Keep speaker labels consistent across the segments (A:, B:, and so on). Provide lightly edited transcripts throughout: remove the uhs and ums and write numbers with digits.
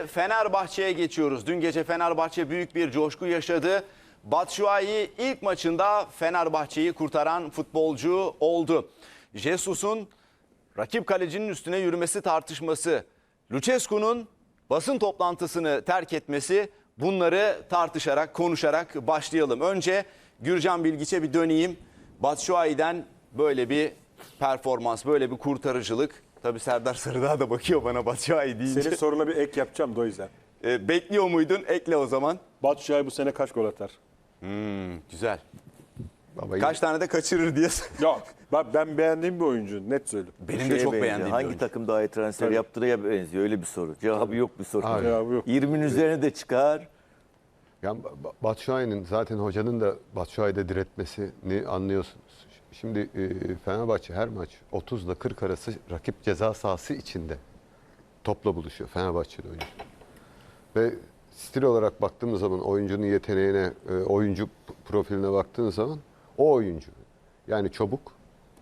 A: Şimdi Fenerbahçe'ye geçiyoruz. Dün gece Fenerbahçe büyük bir coşku yaşadı. Batshuayi ilk maçında Fenerbahçe'yi kurtaran futbolcu oldu. Jesus'un rakip kalecinin üstüne yürümesi tartışması, Lucescu'nun basın toplantısını terk etmesi, bunları tartışarak, konuşarak başlayalım. Önce Gürcan Bilgiç'e bir döneyim. Batshuayi'den böyle bir performans, böyle bir kurtarıcılık. Tabii Serdar Sarıdağ da bakıyor bana Batshuayi deyince.
B: Senin soruna bir ek yapacağım da o yüzden.
A: Bekliyor muydun? Ekle o zaman.
B: Batshuayi bu sene kaç gol atar?
A: Güzel.
C: Babayı
A: Kaç tane de kaçırır diye.
B: Yok. Ben beğendiğim bir oyuncu. Net söyleyeyim.
A: Benim de
D: Şeye
A: çok
D: benziyor.
A: beğendiğim bir
D: Hangi
A: oyuncu.
D: takım daha iyi transfer
B: Tabii.
D: yaptırıya benziyor? Öyle bir soru. Cevabı yok bir soru.
C: Abi.
B: Cevabı yok.
D: 20'nin üzerine de çıkar.
C: yani Batshuayi'nin zaten hocanın da Batshuayi'de diretmesini anlıyorsunuz. Şimdi Fenerbahçe her maç 30 ile 40 arası rakip ceza sahası içinde topla buluşuyor Fenerbahçe'de oyuncu. Ve stil olarak baktığımız zaman oyuncunun yeteneğine, oyuncu profiline baktığınız zaman o oyuncu. Yani çabuk,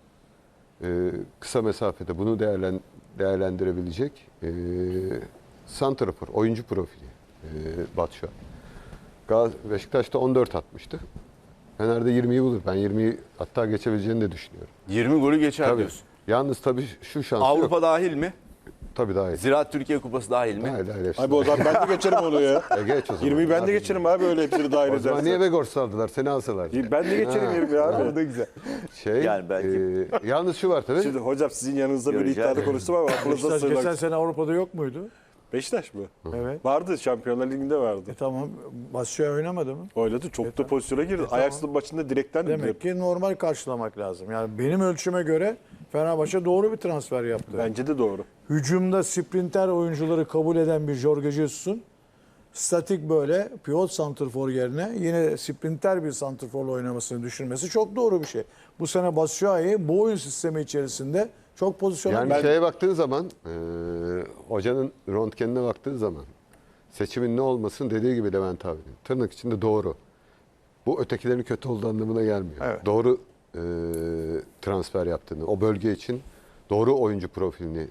C: kısa mesafede bunu değerlendirebilecek santrafor, oyuncu profili Batshuayi. Beşiktaş'ta 14 atmıştı. Fener'de 20'yi bulur. Ben 20'yi hatta geçebileceğini de düşünüyorum.
A: 20 golü geçer
C: Tabii.
A: diyorsun.
C: Yalnız tabii şu şansı
A: Avrupa
C: yok.
A: dahil mi?
C: Tabii daha iyi.
A: Ziraat Türkiye Kupası dahil mi?
C: Dahil hepsi
B: Abi o zaman ben de geçerim onu ya.
C: geç o zaman.
B: 20'yi ben de geçerim abi öyle hepsini dahil
C: O zaman niye
B: edersen.
C: Vegors aldılar? Seni alsalar.
B: Ben de geçerim 20'yi abi.
C: O da güzel.
D: Yani belki-
C: Yalnız şu var tabii.
B: Şimdi hocam sizin yanınızda bir
D: Göreceğiz.
B: iddiada konuştum ama aklınıza
E: Beşiktaş geçen
B: sığınak.
E: sene Avrupa'da yok muydu?
B: Beşiktaş mı?
E: Evet.
B: Vardı Şampiyonlar Ligi'nde vardı.
E: Tamam. Batshuayi oynamadı mı?
B: Oynadı çok da pozisyona girdi. Ajax'ın maçında direkten de
E: Demek ki normal karşılamak lazım. Yani benim ölçüme göre Fenerbahçe doğru bir transfer yaptı.
B: Bence de doğru.
E: Hücumda sprinter oyuncuları kabul eden bir Jorge Jesus'un statik böyle pivot santrfor yerine yine sprinter bir santrforla oynamasını düşünmesi çok doğru bir şey. Bu sene Batshuayi bu oyun sistemi içerisinde çok pozisyona
C: Yani şeye baktığın zaman, hocanın röntgenine baktığın zaman seçimin ne olmasın dediği gibi Levent abinin. Tırnak içinde doğru. Bu ötekilerin kötü olduğu anlamına gelmiyor.
E: Evet.
C: Doğru transfer yaptığını, o bölge için doğru oyuncu profilini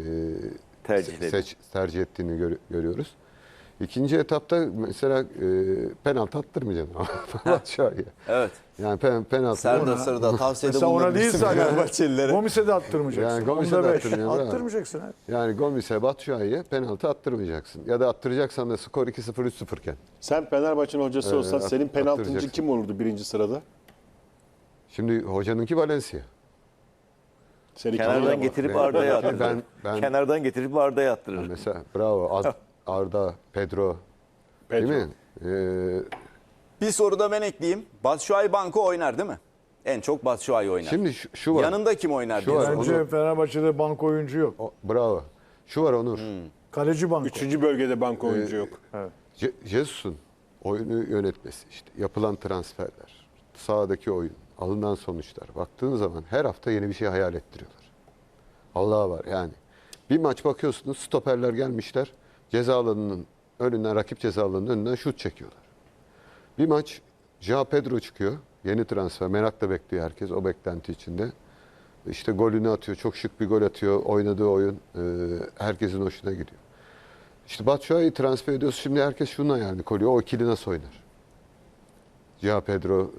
C: tercih ettiğini görüyoruz. İkinci etapta mesela penaltı attırmayacaksın Batshuayi'ye.
A: Evet.
C: Yani penaltı.
A: Serdar Sarıdağ tavsiyede
E: Mesela ona değil
A: bulunabilirsin
E: zaten.
A: Fenerbahçelilere.
E: Gomis'e de attırmayacaksın.
C: Yani Gomis'e
E: Onda
C: de
E: beş.
C: attırmıyor, bravo.
E: Attırmayacaksın. Ha.
C: Yani Gomis'e, Batshuayi'ye penaltı attırmayacaksın. Ya da attıracaksan da skor 2-0, 3-0 iken.
B: Sen Fenerbahçe'nin hocası olsan senin penaltıncı
C: attıracaksın.
B: kim olurdu birinci sırada?
C: Şimdi hocanınki Valencia.
B: Seni
D: Kenardan getirip Arda'ya attırır.
C: ben-
D: Kenardan getirip Arda'ya attırır.
C: Mesela bravo Arda, Pedro, değil mi?
A: Bir soru da ben ekleyeyim. Batshuayi banko oynar değil mi? En çok Batshuayi oynar.
C: Şimdi şu var.
A: Yanında kim oynar
C: Şu
A: diye
C: var.
A: soruyorum.
E: Bence Fenerbahçe'de banko oyuncu yok.
C: Bravo. Şu var Onur.
E: Kaleci banko.
B: Üçüncü bölgede banko oyuncu yok.
C: Jesus'un oyunu yönetmesi, işte yapılan transferler, sahadaki oyun, alınan sonuçlar. Baktığın zaman her hafta yeni bir şey hayal ettiriyorlar. Allah var yani. Bir maç bakıyorsunuz stoperler gelmişler. Ceza alanının önünden, rakip ceza alanının önünden şut çekiyorlar. Bir maç João Pedro çıkıyor. Yeni transfer. Merakla bekliyor herkes o beklenti içinde. İşte golünü atıyor. Çok şık bir gol atıyor. Oynadığı oyun herkesin hoşuna gidiyor. İşte Batshuayi'yi transfer ediyoruz. Şimdi herkes şunun hayalini koruyor. O ikili nasıl oynar? João Pedro,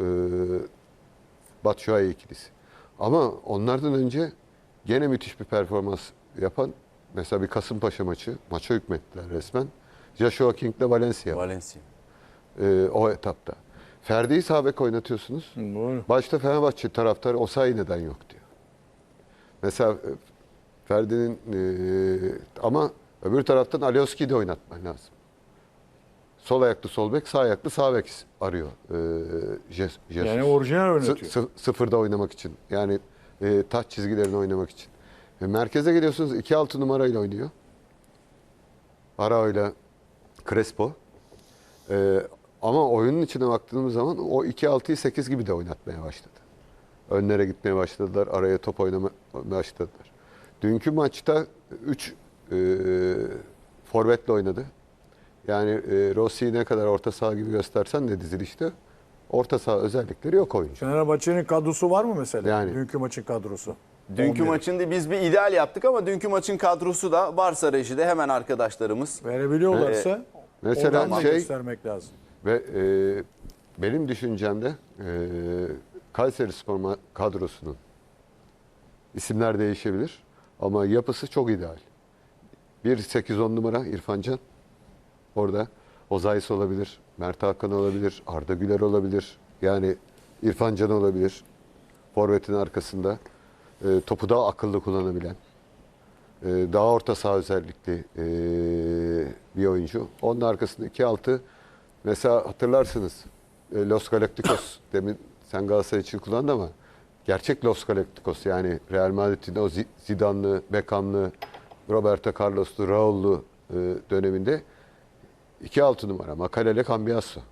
C: Batshuayi ikilisi. Ama onlardan önce gene müthiş bir performans yapan mesela bir Kasımpaşa maça hükmettiler resmen. Joshua King'le Valencia.
A: Valencia.
C: O etapta. Ferdi'yi sağ bek oynatıyorsunuz.
E: Doğru.
C: Başta Fenerbahçe taraftarı Osayi neden yok diyor. Mesela Ferdi'nin ama öbür taraftan Alioski'yi de oynatman lazım. Sol ayaklı sol bek, sağ ayaklı sağ bek arıyor Jesus.
E: Yani orijinal oynatıyor.
C: Sıfırda oynamak için. Yani taç çizgilerini oynamak için. Merkeze geliyorsunuz 2-6 numarayla oynuyor. Arao'yla Crespo. Ama oyunun içine baktığımız zaman o 2-6'yı 8 gibi de oynatmaya başladı. Önlere gitmeye başladılar. Araya top oynamaya başladılar. Dünkü maçta 3 forvetle oynadı. Yani Rossi'yi ne kadar orta saha gibi göstersen de dizilişte orta saha özellikleri yok oyuncu.
E: Fenerbahçe'nin kadrosu var mı mesela?
C: Yani.
E: Dünkü maçın kadrosu.
A: Dünkü
E: 11.
A: maçında biz bir ideal yaptık ama dünkü maçın kadrosu da varsa rejide hemen arkadaşlarımız.
E: Verebiliyorlarsa
C: Mesela
E: oradan da göstermek lazım.
C: ve benim düşüncemde Kayserispor kadrosunun isimler değişebilir ama yapısı çok ideal. 1-8-10 numara İrfan Can. Orada Ozayis olabilir, Mert Hakan olabilir, Arda Güler olabilir. Yani İrfan Can olabilir. Forvet'in arkasında topu daha akıllı kullanabilen, daha orta saha özellikli bir oyuncu. Onun arkasında 2-6 mesela hatırlarsınız Los Galacticos demin sen Galatasaray için kullandın ama gerçek Los Galacticos yani Real Madrid'in o Zidane'lı, Beckham'lı, Roberto Carlos'lu, Raul'lu döneminde 2-6 numara Makalele Cambiasso.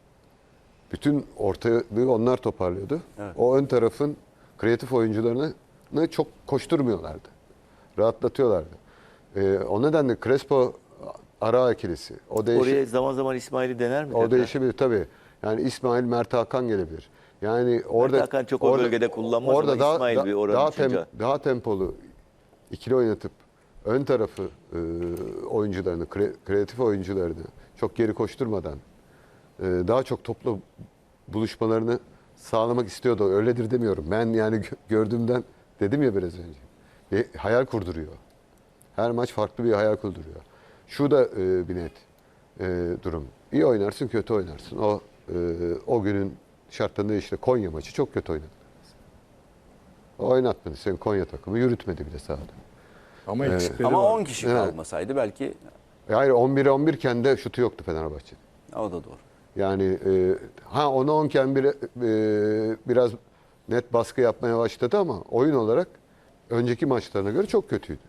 C: Bütün ortalığı onlar toparlıyordu.
A: Evet.
C: O ön tarafın kreatif oyuncularını çok koşturmuyorlardı. Rahatlatıyorlardı. O nedenle Crespo ara ikilisi.
D: Oraya zaman zaman İsmail'i dener mi?
C: O değişebilir tabii. Yani İsmail, Mert Hakan gelebilir. Yani orada
D: Hakan çok o bölgede kullanmaz
C: orada
D: ama İsmail bir oranın çocuğu.
C: daha tempolu ikili oynatıp ön tarafı oyuncularını, kreatif oyuncularını çok geri koşturmadan daha çok toplu buluşmalarını sağlamak istiyordu. Öyledir demiyorum. Ben yani gördüğümden dedim ya biraz önce. Bir hayal kurduruyor. Her maç farklı bir hayal kurduruyor. Şu da bir net durum. İyi oynarsın, kötü oynarsın. O günün şartlarında işte Konya maçı çok kötü oynadı. Oynatmadı. Senin Konya takımı yürütmedi bile sahada.
E: Ama eksikleri
A: Ama
E: var.
A: 10 kişi
C: Evet.
A: kalmasaydı belki
C: Hayır 11'e 11 iken de şutu yoktu Fenerbahçe'nin.
A: o da doğru.
C: Yani ona 10'ken biraz net baskı yapmaya başladı ama oyun olarak önceki maçlarına göre çok kötüydü.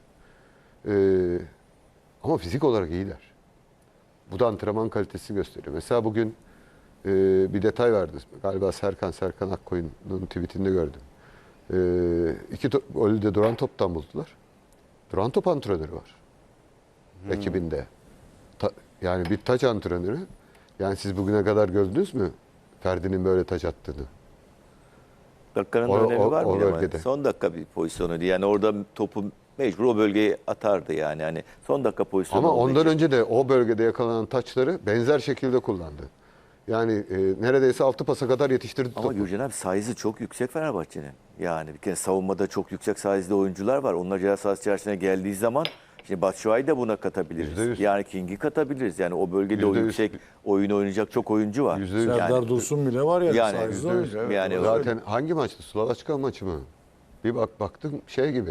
C: Ama fizik olarak iyiler. Bu da antrenman kalitesi gösteriyor. Mesela bugün bir detay vardı. Galiba Serkan Akkoyun'un tweetinde gördüm. İki golü de duran toptan buldular. Duran top antrenörü var. Ekibinde. Yani bir taç antrenörü. Yani siz bugüne kadar gördünüz mü Ferdi'nin böyle taç attığını?
D: Dakikanın
C: O-
D: da önemi
C: o-
D: var
C: o
D: mı? Ama
C: bölgede.
D: son dakika bir pozisyonuydu. Yani orada topu mecbur o bölgeye atardı yani. Hani son dakika pozisyonu
C: Ama
D: olduğu
C: ondan
D: için.
C: önce de o bölgede yakalanan taçları benzer şekilde kullandı. Yani neredeyse 6 pasa kadar yetiştirdi
D: Ama
C: topu.
D: Gürcan abi size'ı çok yüksek Fenerbahçe'nin. Yani bir kere savunmada çok yüksek size'lı oyuncular var. Onlar ceza sahası içerisine geldiği zaman şimdi Batshuayi'yi de buna katabiliriz.
C: %100.
D: Yani King'i katabiliriz. Yani o bölgede o
C: %100.
D: yüksek oyun oynayacak çok oyuncu var.
C: %100.
E: Serdar
D: Yani
E: Dursun bile var ya.
D: Yani
E: size'lı oyuncu. Evet,
D: yani
E: doğru.
C: Zaten hangi maçtı? Slovaçka maçı mı? Bir baktım şey gibi.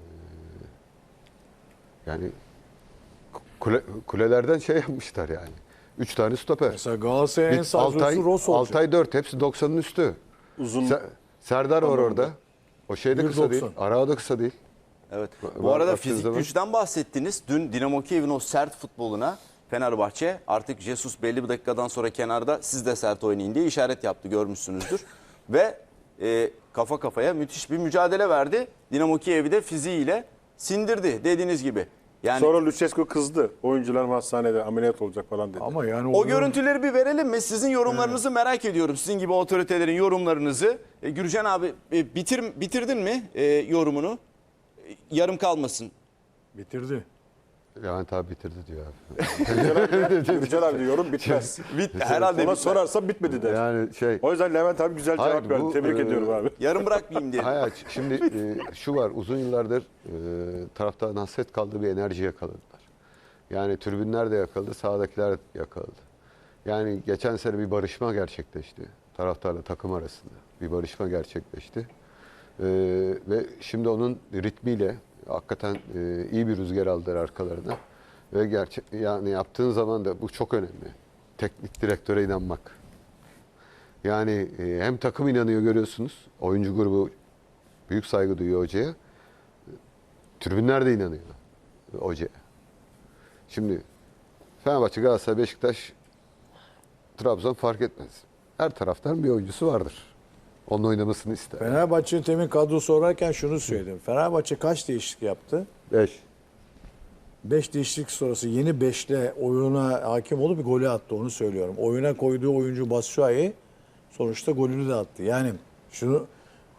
C: Yani kulelerden şey yapmışlar yani. 3 tane stoper.
E: Mesela Galatasaray'ın en sazlısı Ross olacak.
C: Altay 4 hepsi 90'ın üstü.
B: Uzun
C: Serdar var orada. O şey de kısa
E: 1.90.
C: değil. Arao da kısa değil.
A: Evet.
C: Var-
A: Bu arada
C: baktığınız
A: fizik
C: zaman-
A: güçten bahsettiniz. Dün Dinamo Kiev'in o sert futboluna Fenerbahçe artık Jesus belli bir dakikadan sonra kenarda siz de sert oynayın diye işaret yaptı, görmüşsünüzdür. Ve kafa kafaya müthiş bir mücadele verdi. Dinamo Kiev'i de fiziğiyle sindirdi dediğiniz gibi. Yani
B: sonra Lucescu kızdı. Oyuncular hastanede ameliyat olacak falan dedi.
E: Ama yani
A: o görüntüleri bir verelim mi? Sizin yorumlarınızı merak ediyorum. Sizin gibi otoritelerin yorumlarınızı. Gürcan abi bitirdin mi yorumunu? Yarım kalmasın.
E: bitirdi.
C: Levent abi bitirdi diyor abi.
B: Gürcan abi diyorum bitmez.
A: Herhalde
B: Ona
A: bitmez.
B: sorarsa bitmedi der.
C: Yani şey
B: O yüzden Levent abi güzel
C: Hayır,
B: cevap verdi.
C: bu,
B: Tebrik ediyorum abi.
A: Yarım bırakmayayım diye.
C: hayır, şimdi şu var uzun yıllardır taraftarın hasret kaldığı bir enerji yakaladılar. Yani tribünler de yakaladı, sahadakiler de yakaladı. Yani geçen sene bir barışma gerçekleşti. Taraftarla takım arasında bir barışma gerçekleşti. Ve şimdi onun ritmiyle hakikaten iyi bir rüzgar aldılar arkalarına. Ve yani yaptığın zaman da bu çok önemli. Teknik direktöre inanmak. Yani hem takım inanıyor görüyorsunuz. Oyuncu grubu büyük saygı duyuyor hocaya. Tribünler de inanıyor hocaya. Şimdi Fenerbahçe, Galatasaray, Beşiktaş, Trabzon fark etmez. Her taraftan bir oyuncusu vardır. Onun oynamasını ister.
E: Fenerbahçe'nin temin kadrosu sorarken şunu söyledim. Fenerbahçe kaç değişiklik yaptı?
C: 5.
E: 5 değişiklik sonrası yeni 5'le oyuna hakim olup bir golü attı, onu söylüyorum. Oyuna koyduğu oyuncu Batshuayi sonuçta golünü de attı. Yani şunu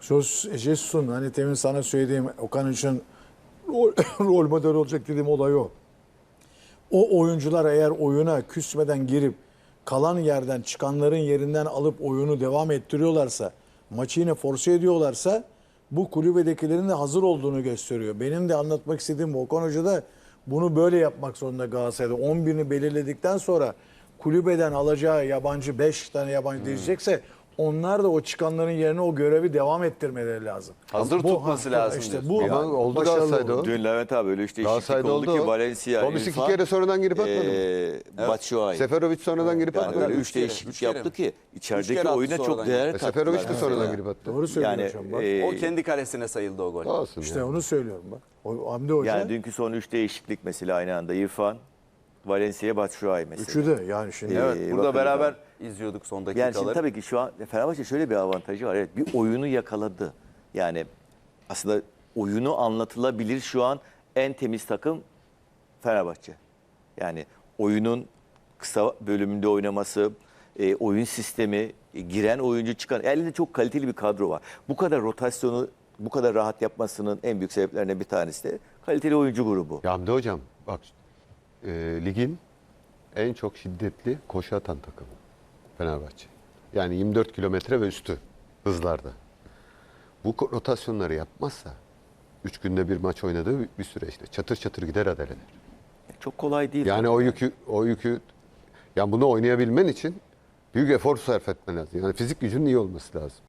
E: Jesus'un hani temin sana söylediğim Okan için rol model olacak dediğim olay o. O oyuncular eğer oyuna küsmeden girip kalan yerden çıkanların yerinden alıp oyunu devam ettiriyorlarsa, maçı yine force ediyorlarsa bu kulübedekilerin de hazır olduğunu gösteriyor. Benim de anlatmak istediğim Okan Hoca da bunu böyle yapmak zorunda Galatasaray'da. 11'ini belirledikten sonra kulübeden alacağı yabancı 5 tane yabancı diyecekse onlar da o çıkanların yerine o görevi devam ettirmeleri lazım.
A: Hazır tutması lazım
E: İşte
A: diyorsun.
E: bu
C: Ama oldu
E: başarılı
C: Galatasaray'da o.
D: Dün Levent abi öyle işte değişiklik
C: Galatasaray'da
D: oldu
C: oldu
D: ki
C: o.
D: Valencia,
C: Gomis iki
D: İrfan,
C: kere sonradan girip atmadı mı?
D: Batshuayi.
C: Seferovic sonradan girip
D: Yani
C: atmadı
D: öyle
C: mı?
D: 3 değişiklik
A: üç kere
D: yaptı
A: mi?
D: ki içerideki
A: kere attı
D: oyuna çok
A: sonradan.
D: değer
C: Seferovic de
D: kattılar.
C: sonradan girip attı.
E: Doğru söylüyor
D: Yani
E: hocam bak.
A: O kendi kalesine sayıldı o gol.
C: Olsun
E: İşte
C: ya.
E: onu söylüyorum bak. Hamdi Hoca
D: Yani dünkü son 3 değişiklik mesela aynı anda İrfan, Valencia, Batshuayi mesela.
E: üçü de yani şimdi
A: Evet, burada
D: bakın
A: beraber izliyorduk son
D: Yani
A: dakikaları.
D: şimdi tabii ki şu an Fenerbahçe şöyle bir avantajı var. Evet, bir oyunu yakaladı. Yani aslında oyunu anlatılabilir şu an en temiz takım Fenerbahçe. Yani oyunun kısa bölümünde oynaması, oyun sistemi, giren oyuncu çıkan, elinde çok kaliteli bir kadro var. Bu kadar rotasyonu bu kadar rahat yapmasının en büyük sebeplerinden bir tanesi de kaliteli oyuncu grubu.
C: Ya Hamdi Hocam bak ligin en çok şiddetli koşu atan takımı Fenerbahçe. Yani 24 kilometre ve üstü hızlarda. Bu rotasyonları yapmazsa 3 günde bir maç oynadığı bir süreçte çatır çatır gider adaleler.
D: Çok kolay değil.
C: Yani o yükü yani bunu oynayabilmen için büyük efor sarf etmen lazım. Yani fizik gücünün iyi olması lazım.